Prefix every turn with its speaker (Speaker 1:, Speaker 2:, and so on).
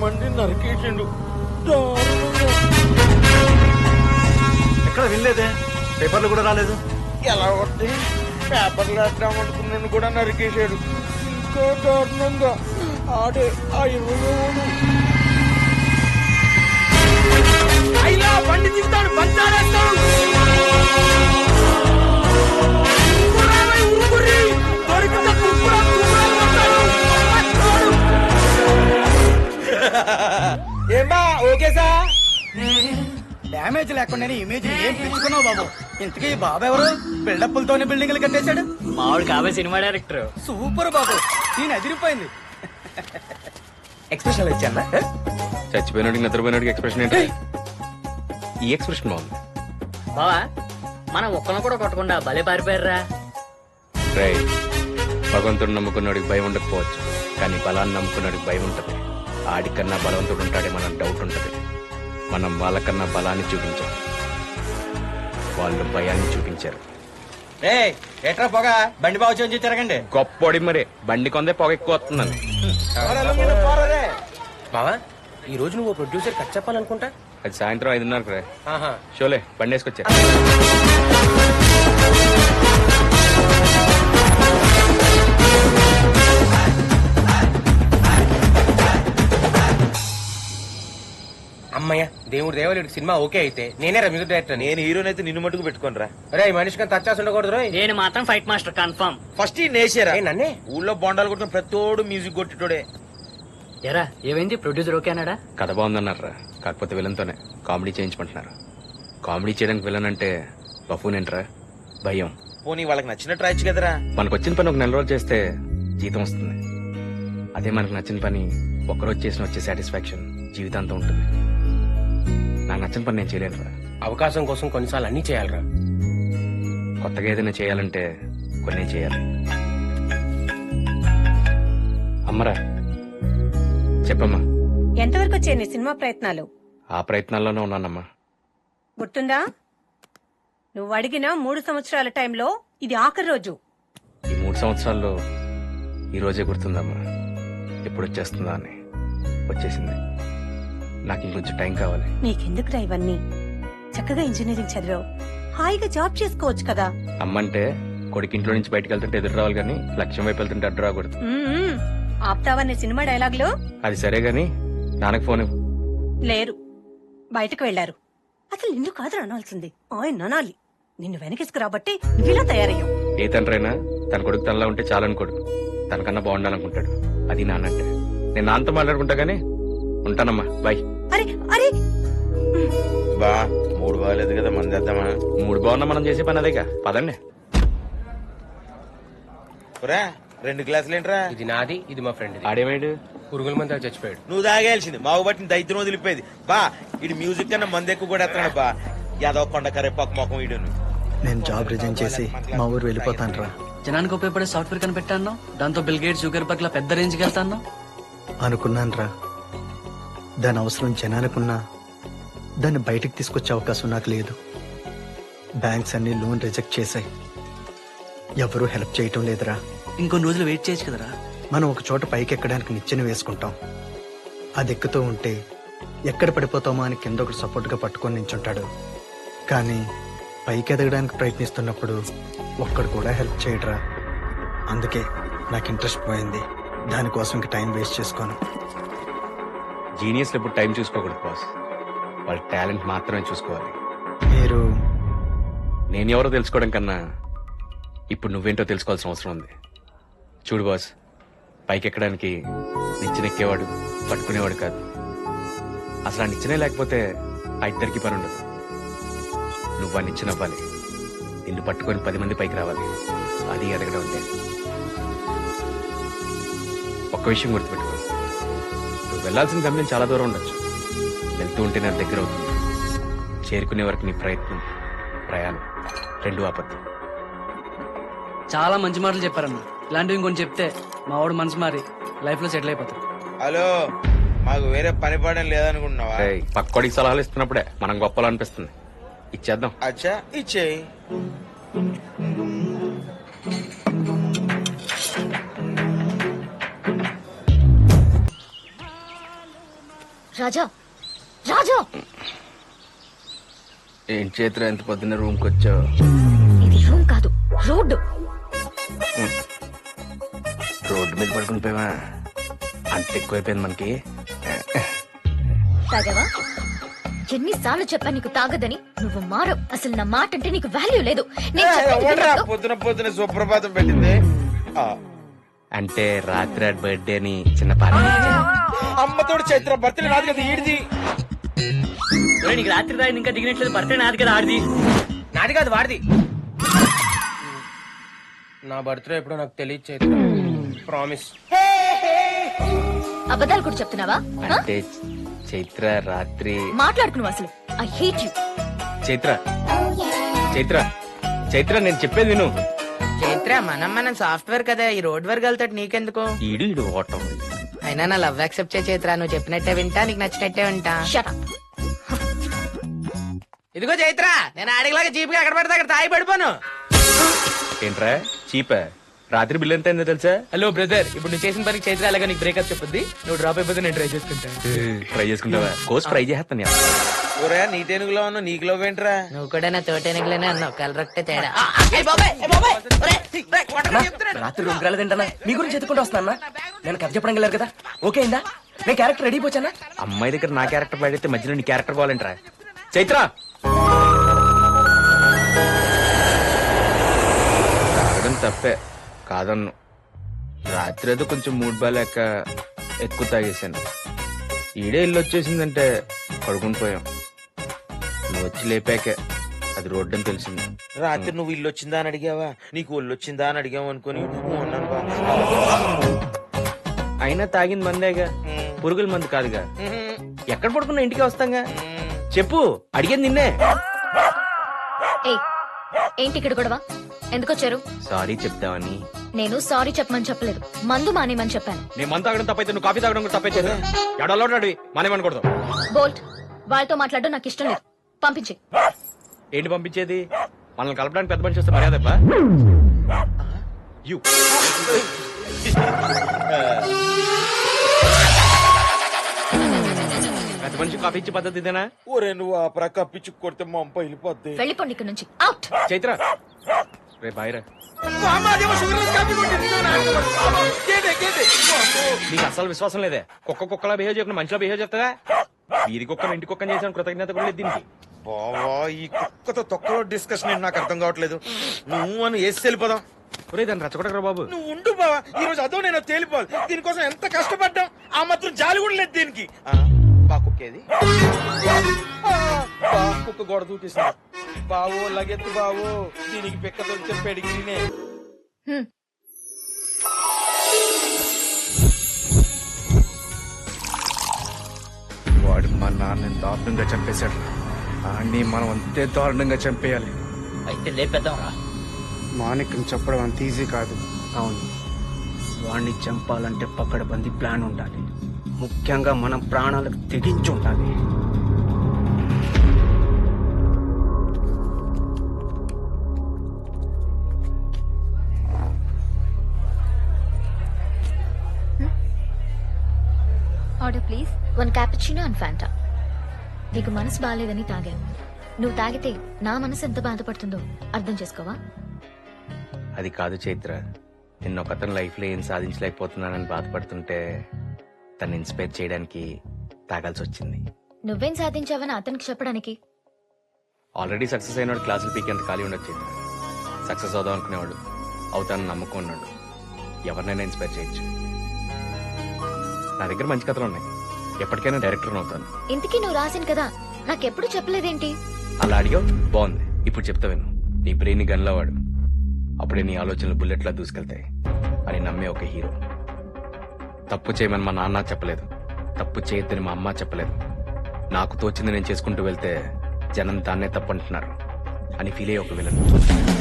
Speaker 1: మంది నరికేసిండు.
Speaker 2: ఎక్కడ వినలేదే, పేపర్లు కూడా రాలేదు.
Speaker 1: ఎలా వస్తే పేపర్లు వేద్దామనుకున్నాను కూడా నరికేశాడు. ఇంకా దారుణంగా ఆడే ఆ 27 అయినా బండి తీస్తాడు, బంచాలేస్తాడు. ఏమా ఓకే సార్?
Speaker 3: డ్యామేజ్ లేకుండానే ఇమేజ్ ఏం పెంచుకున్నావు బాబు. ఇంతకీ బాబు ఎవరు? బిల్డప్పులతోనే బిల్డింగ్లు కట్టేశాడు.
Speaker 4: మావాడు కాబోయే సినిమా డైరెక్టర్.
Speaker 3: సూపర్ బాబు, నేను అదిరిపోయింది.
Speaker 2: ఎక్స్ప్రెషన్ ఇచ్చానా?
Speaker 5: చచ్చిపోయినాడికి నిద్రపోయినాడికి ఎక్స్ప్రెషన్ ఏంటి? ఈ ఎక్స్ప్రెషన్ బాగుంది.
Speaker 4: బావా మనం ఒక్కను కూడా కొట్టకుండా భలే పారిపోయారా.
Speaker 5: రై, భగవంతుడు నమ్ముకున్నాడికి భయం ఉండకపోవచ్చు, కానీ బలాన్ని నమ్ముకున్నాడికి భయం ఉంటది. ఆడికన్నా బలవంతుడు ఉంటాడేమన్న డౌట్ ఉంటది. మనం వాళ్ళకన్నా బలాన్ని చూపించాం, వాళ్ళు భయాన్ని చూపించారు.
Speaker 3: ఎట్రా పోగా బండి బాబు చూసి తిరగండి.
Speaker 5: గొప్పోడి మరే బండి కొందే పొగ ఎక్కువ వస్తుందని.
Speaker 2: బావా, ఈ రోజు నువ్వు ప్రొడ్యూసర్ కట్ చెప్పాలనుకుంటా.
Speaker 5: అది సాయంత్రం 5:30 రే. షోలే బండి వేసుకొచ్చా.
Speaker 2: అమ్మయ్య, దేవుడు దేవలేడు సినిమా ఓకే అయితే నేనే మ్యూజిక్ డైరెక్టర్.
Speaker 1: నేను హీరోని అయితే నిన్ను మటుకు పెట్టుకోను రా.
Speaker 2: రే, ఈ మనిషికి టచ్ ఉండకూడదు రోయ్.
Speaker 4: నేను మాత్రం ఫైట్ మాస్టర్ కన్ఫర్మ్.
Speaker 1: ఫస్ట్ ఈ నేసారా
Speaker 2: నన్నే
Speaker 1: ఊళ్ళో బొండాలు కొట్టుకుని ప్రతోడు మ్యూజిక్ కొట్టిటోడే.
Speaker 4: ఎరా ఏమైంది? ప్రొడ్యూసర్ ఓకే అన్నాడా?
Speaker 5: కథ బాగుందన్నారా, కాకపోతే విలన్తోనే కామెడీ చేయించమంటున్నారు. కామెడీ చేయడానికి విలన్ అంటే బఫూనేంట్రా, భయం.
Speaker 1: పోనీ వాళ్ళకి నచ్చినట్టు రాయొచ్చు కదరా.
Speaker 5: మనకు వచ్చిన పని ఒక 4 రోజులు చేస్తే జీతం వస్తుంది. అదే మనకు నచ్చిన పని ఒక్కరోజు చేసిన వచ్చే సాటిస్ఫాక్షన్ జీవితాంతం ఉంటుంది. నాకు నచ్చిన పని నేను చేయలేనురా.
Speaker 2: అవకాశం కోసం కొన్నిసార్లు అన్ని చేయాలరా.
Speaker 5: కొత్తగా ఏదైనా చేయాలంటే కొన్ని చేయాలి. అమ్మరా చెప్పమ్మా.
Speaker 6: ఎంతవరకు వచ్చాయి నీ సినిమా ప్రయత్నాలు?
Speaker 5: ఆ ప్రయత్నాల్లోనే ఉన్నానమ్మా.
Speaker 6: గుర్తుందా? నువ్వు అడిగిన 3 సంవత్సరాల టైంలో ఇది ఆఖరి రోజు.
Speaker 5: ఈ 3 సంవత్సరాల్లో ఈ రోజే గుర్తుందమ్మా, ఎప్పుడు వచ్చేస్తుందా అని. వచ్చేసింది. నాకు ఇంకొంచెం టైం కావాలి.
Speaker 6: నీకెందుకురా ఇవన్నీ? చక్కగా ఇంజనీరింగ్ చదివావు, హాయిగా జాబ్ చేసుకోవచ్చు కదా.
Speaker 5: అమ్మంటే కొడుకు ఇంట్లో నుంచి బయటకు వెళ్తుంటే ఎదురు రావాలి, కానీ లక్ష్యం వైపు వెళ్తుంటే అడ్డు రాకూడదు.
Speaker 6: ఆప్తావనే సినిమా డైలాగులు.
Speaker 5: అది సరే గాని నాన్నకు ఫోన్ ఇవ్వు.
Speaker 6: లేరు, బయటకు వెళ్లారు. అసలు నిన్ను కాదు అనాల్సింది, ఆయన అనాలి. నిన్ను వెనకేసుకురాబట్టి నువ్విలా తయారయ్యావు.
Speaker 5: ఏ తండ్రైనా తన కొడుకు తనలా ఉంటే చాలనుకోడు, తనకన్నా బాగుండాలనుకుంటాడు. అది నాన్నంటే. నేను నాన్నతో మాట్లాడుకుంటా గానీ ఉంటానమ్మా, బాయ్.
Speaker 6: అరే అరే,
Speaker 1: బా 3 బాగాలేదు కదా, మంది వేద్దామా?
Speaker 5: 3 బాగున్నా మనం చేసే పని అదేగా, పదండి.
Speaker 1: 2 గ్లాసులు ఏంట్రా?
Speaker 2: ఇది నాది, ఇది మా ఫ్రెండ్.
Speaker 5: ఆడేమేడు
Speaker 2: పురుగుల మంది చచ్చిపోయాడు.
Speaker 1: నువ్వు తాగేయాల్సింది, మావు బట్టి దైత్యం వదిలిపోయేది. బా ఇటు మ్యూజిక్ కన్నా మంది ఎక్కువ కూడా ఎత్తాడు. బా యాదవ్ కొండ కరేపాకు మొఖం ఇడును.
Speaker 3: నేను జాబ్ రిజైన్ చేసి మా ఊరు వెళ్ళిపోతాను రా.
Speaker 7: జనానికి ఉపయోగపడే సాఫ్ట్వేర్ కనిపెట్టాను, దాంతో బిల్ గేట్స్ జూగర్ పట్ల పెద్ద రేంజ్కి వెళ్తాను
Speaker 3: అనుకున్నాను రా. దాని అవసరం జనానికున్నా దాన్ని బయటకు తీసుకొచ్చే అవకాశం నాకు లేదు. బ్యాంక్స్ అన్ని లోన్ రిజెక్ట్ చేశాయి, ఎవరూ హెల్ప్ చేయటం లేదురా.
Speaker 7: ఇంకొన్ని రోజులు వెయిట్ చేయొచ్చు కదరా.
Speaker 3: మనం ఒక చోట పైకి ఎక్కడానికి నిచ్చెన వేసుకుంటాం, అది ఎక్కుతూ ఉంటే ఎక్కడ పడిపోతామో అని కింద ఒకటి సపోర్ట్గా పట్టుకొని నించుంటాడు. కానీ పైకి ఎదగడానికి ప్రయత్నిస్తున్నప్పుడు ఒక్కడు కూడా హెల్ప్ చేయడరా. అందుకే నాకు ఇంట్రెస్ట్ పోయింది. దానికోసం ఇంక టైం వేస్ట్ చేసుకోను.
Speaker 5: జీనియస్లు ఎప్పుడు టైం చూసుకోకూడదు బాస్, వాళ్ళ టాలెంట్ మాత్రమే చూసుకోవాలి.
Speaker 3: మీరు
Speaker 5: నేను ఎవరో తెలుసుకోవడం కన్నా ఇప్పుడు నువ్వేంటో తెలుసుకోవాల్సిన అవసరం ఉంది. చూడు బాస్, పైకి ఎక్కడానికి నిచ్చెనెక్కేవాడు పట్టుకునేవాడు కాదు. అసలు ఆ నిచ్చెనే లేకపోతే ఆ ఇద్దరికి పని ఉండదు. నువ్వు ఆ నిచ్చెన అవ్వాలి, నిన్ను పట్టుకొని 10 మంది పైకి రావాలి. అది ఎదగడం అంటే. ఒక్క విషయం గుర్తుపెట్టుకో, నువ్వు వెళ్లాల్సిన గమ్యం చాలా దూరం ఉండొచ్చు, వెళ్తూ ఉంటే నా దగ్గర అవుతుంది. చేరుకునే వరకు నీ ప్రయత్నం ప్రయాణం 2 ఆపద్దు.
Speaker 7: చాలా మంచి మాటలు చెప్పారన్న. ఇలాంటివి ఇంకొన్ని చెప్తే మా వాడు మనసు మారి లైఫ్ లో సెటిల్ అయిపోతాడు.
Speaker 1: హలో, మాకు వేరే పని పడడం లేదనుకుంటున్నావా?
Speaker 5: పక్కోడికి సలహాలు ఇస్తున్నప్పుడే మనం గొప్పలు అనిపిస్తుంది. ఇచ్చేద్దాం.
Speaker 1: అచ్చా ఇచ్చేయి.
Speaker 8: రాజా రాజా
Speaker 5: ఏం చేతులు ఎంత పొద్దున్న రూమ్కి వచ్చావు?
Speaker 8: ఇది రూమ్ కాదు, రోడ్డు.
Speaker 5: రోడ్డు మీద పడుకుని పోయావా? అంత ఎక్కువైపోయింది మనకి.
Speaker 8: తాగావా? ఎన్నిసార్లు చెప్పా నీకు తాగదని? నువ్వు మారవు. అసలు నా మాట అంటే నీకు వాల్యూ లేదు. నేను చెప్పేది వినొద్దు.
Speaker 1: పొద్దున పొద్దున సుప్రభాతం పెట్టింది.
Speaker 5: అంటే రాత్రి బర్త్డే అని చిన్న పార్టీ
Speaker 1: అమ్మతోడు చైత్ర బర్త్డే రాదు కదా ఈడిది.
Speaker 4: నీకు రాత్రి తాగింది ఇంకా దిగినట్లేదు. బర్త్డే నాది కదా ఆడిది.
Speaker 2: నాది కాదు వాడిది. నా బర్త్డే ఎప్పుడో నాకు తెలియదు చైత్ర. ప్రామిస్.
Speaker 8: అబద్ధాలు కూడా చెప్తున్నావా? ఆ?
Speaker 5: అంటే చైత్ర రాత్రి
Speaker 8: మాట్లాడుకున్నావు అసలు. I hate you.
Speaker 5: Chaitra Chaitra Chaitra నేను చెప్పేది విను.
Speaker 9: చైత్ర మనం సాఫ్ట్వేర్ కదా, ఈ రోడ్ వర్క్ వెళ్తాడు నీకెందుకు?
Speaker 5: ఈడు ఓటం.
Speaker 9: అయినా నా లవ్ యాక్సెప్ట్ చే చైత్ర. నువ్వు చెప్పినట్టే వింటా, నీకు నచ్చినట్టే వింటా.
Speaker 8: Shut up.
Speaker 9: ఇదిగో చైత్ర, నేను ఆడిలాగా జీప్ అక్కడ పడితే అక్కడ తాగి పడిపోను.
Speaker 5: ఏంట్రా చీపా? రాత్రి బిల్ ఎంత అయిందో తెలుసా?
Speaker 9: హలో బ్రదర్, ఇప్పుడు నువ్వు చేసిన పనికి చైత్ర అలాగా నీకు బ్రేకప్ చెప్పుద్ది. నువ్వు డ్రాప్ అయిపోతే నేను ట్రై చేసుకుంటా.
Speaker 5: ట్రై చేసుకుంటావా? కోర్స్ ట్రై చేస్తాను.
Speaker 1: ఊరే నీటేనుగులో ఉన్నా నీకు లవ్ ఏంట్రా?
Speaker 9: నువ్వు కూడా నా తోటెనగలేనే అన్నావు, కలరొక్టే తేడా.
Speaker 2: రాత్రి రూమ్ రాలేదు ఏంటన్నా? మీ గురించి ఎత్తుకుంటూ వస్తున్నా. నేను కథ చెప్పడం వెళ్ళారు కదా, ఓకే అయిందా? నేను క్యారెక్టర్ రెడీ పోచానా?
Speaker 5: అమ్మాయి దగ్గర నా క్యారెక్టర్ పడితే మధ్యలో నీ క్యారెక్టర్ కావాలంటరా? చైత్ర తాగడం తప్పే కాదన్ను. రాత్రి ఏదో కొంచెం మూడ్ బాలేక ఎక్కువ తాగేశాను. ఈడే ఇల్లు వచ్చేసిందంటే పడుకుని పోయాం. నువ్వు వచ్చి లేపాకే అది రోడ్డు అని తెలిసింది.
Speaker 1: రాత్రి నువ్వు ఇల్లు వచ్చిందా అని అడిగావా? నీకు ఒళ్ళు వచ్చిందా అని అడిగావు అనుకుని ఉన్నాను బా.
Speaker 5: అయినా తాగింది మందేగా, పురుగుల మందు కాదుగా. ఎక్కడ పడుకున్నా ఇంటికి వస్తాంగా. చెప్పు, అడిగేది నిన్నే.
Speaker 8: ఏయ్, ఏంటి ఇక్కడ గొడవ? ఎందుకు వచ్చారు?
Speaker 5: సారీ చెప్తావని.
Speaker 8: నేను సారీ చెప్పమని చెప్పలేదు, మందు మానేమని చెప్పాను.
Speaker 5: నేను మందు తాగడం తప్పైతే నువ్వు కాఫీ తాగడం కూడా తప్పే చేసా. ఎడలో అడివి మానేమనకూడదు.
Speaker 8: బోల్ట్, వాళ్ళతో మాట్లాడడం నాకు ఇష్టం లేదు. పంపించి.
Speaker 5: ఏంటి పంపించేది? మనల్ని కలపడానికి పెద్ద మనిషి వస్తే మర్యాద పెద్ద మనిషి కాఫీ ఇచ్చే పద్ధతి ఇదేనా?
Speaker 1: ఊరే నువ్వు ఆ ప్రక్క పిచ్చి కొడితే మా అమ్మ వెళ్ళిపోద్ది.
Speaker 8: వెళ్ళిపోండి ఇక్కడ నుంచి. అవుట్.
Speaker 5: చైత్ర రే బాయ్రా. నీకు అసలు విశ్వాసం లేదే. కుక్కలా బిహేవ్ చేయకుండా మనిషిలో బిహేవ్ చేస్తావా? వీరి కుక్కను ఇంటి కుక్కని చేసిన కృతజ్ఞత కూడా లేదు దీనికి.
Speaker 1: బావా ఈ కుక్కతో తొక్కలో డిస్కషన్ నాకు అర్థం కావట్లేదు. నువ్వు అని వేసి వెళ్ళిపోదాం.
Speaker 5: ఒరే దాన్ని రచ్చగొట్టకరా బాబు.
Speaker 1: నువ్వు ఉండు బావా, ఈ రోజు అదో నేను తేలిపోవాలి. దీనికోసం ఎంత కష్టపడ్డాం, ఆ మాత్రం జాలి కూడా లేదు దీనికి. బా కుక్కేది కుక్క గోడ దూకిస్తా. బావో లగెత్తు బావో, దీనికి పిక్కతో చెప్పేడిగినే.
Speaker 5: వాడు మా నాన్నని దారుణంగా చంపేశాడు. అన్ని మనం అంతే దారుణంగా చంపేయాలి.
Speaker 4: అయితే లేపేద్దాం రా.
Speaker 3: మాణిక్యం చెప్పడం అంత ఈజీ కాదు.
Speaker 2: అవును, వాణ్ణి చంపాలంటే పకడ్బందీ ప్లాన్ ఉండాలి. ముఖ్యంగా మనం ప్రాణాలకు తెగించి ఉండాలి.
Speaker 8: Order please. 1 cappuccino and Fanta. నీకు మనసు బాగాలేదని తాగాను. నువ్వు తాగితే నా మనసు ఎంత బాధపడుతుందో అర్థం చేసుకోవా?
Speaker 5: అది కాదు చైత్ర, నిన్న ఒకతను లైఫ్ లో ఏం సాధించలేకపోతున్నానని బాధపడుతుంటే తను ఇన్స్పైర్ చేయడానికి తాగాల్సి వచ్చింది.
Speaker 8: నువ్వేం సాధించావని అతనికి చెప్పడానికి?
Speaker 5: ఆల్రెడీ సక్సెస్ అయినాడు క్లాసులు పీకేంత ఖాళీ ఉండొచ్చు చైత్ర. సక్సెస్ అవుదాం అనుకునేవాడు, అవుతానని నమ్మకం ఉన్నాడు. ఎవరినైనా ఇన్స్పైర్ చేయొచ్చు. నా దగ్గర మంచి కథలు ఉన్నాయి, ఎప్పటికైనా డైరెక్టర్ అవుతాను.
Speaker 8: ఇంతకీ నువ్వు రాసిన కదా నాకెప్పుడు చెప్పలేదేంటి?
Speaker 5: అలా అడిగావు, బాగుంది. ఇప్పుడు చెప్తా విను. నీ బ్రెయిన్ గన్లో వాడు, అప్పుడే నీ ఆలోచనలు బుల్లెట్లా దూసుకెళ్తాయి అని నమ్మే ఒక హీరో. తప్పు చేయమని మా నాన్న చెప్పలేదు, తప్పు చేయొద్దని మా అమ్మ చెప్పలేదు. నాకు తోచింది నేను చేసుకుంటూ వెళ్తే జనం దాన్నే తప్పు అంటున్నారు అని ఫీల్ అయ్యే ఒక విలన్.